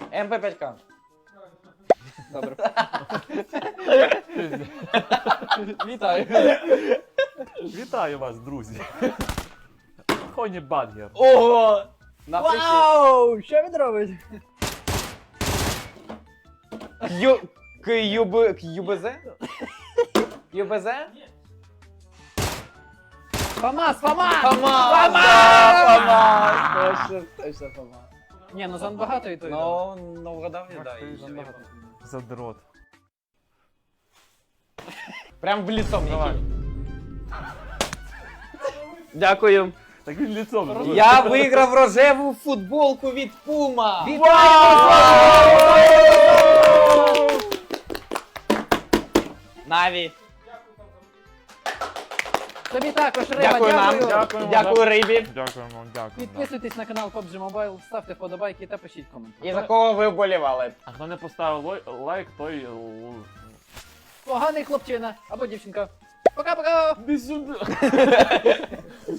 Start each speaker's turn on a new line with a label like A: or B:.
A: МП5К.
B: Добре. Вітаю.
C: Вітаю вас, друзі. Хоні Бадгер.
A: Ого! Напишіть.
B: Вау! Що він робить?
A: КЮБЗ? ЮБЗ?
B: ФАМАС, ФАМАС!
A: ФАМАС!
B: Точно, точно ФАМАС. Ні, ну занбагато і то, і то.
A: Ну, вгадав я, да. і ще
B: Занбагато.
C: Задрот.
A: Прям в лицо мені.
C: Давай.
A: Дякую.
C: Так він ліцом. робить.
A: Я виграв рожеву футболку від Puma. Наві.
B: Тобі також, Рима,
A: Дякую нам.
C: Дякуємо.
A: Дякую рибі.
C: Дякуємо, дякуємо.
B: Підписуйтесь на канал PUBG Mobile, ставте вподобайки та пишіть коменти.
A: І за кого ви вболівали?
C: А хто не поставив лайк, той...
B: Поганий хлопчина або дівчинка. Пока-пока!
C: Іди сюди.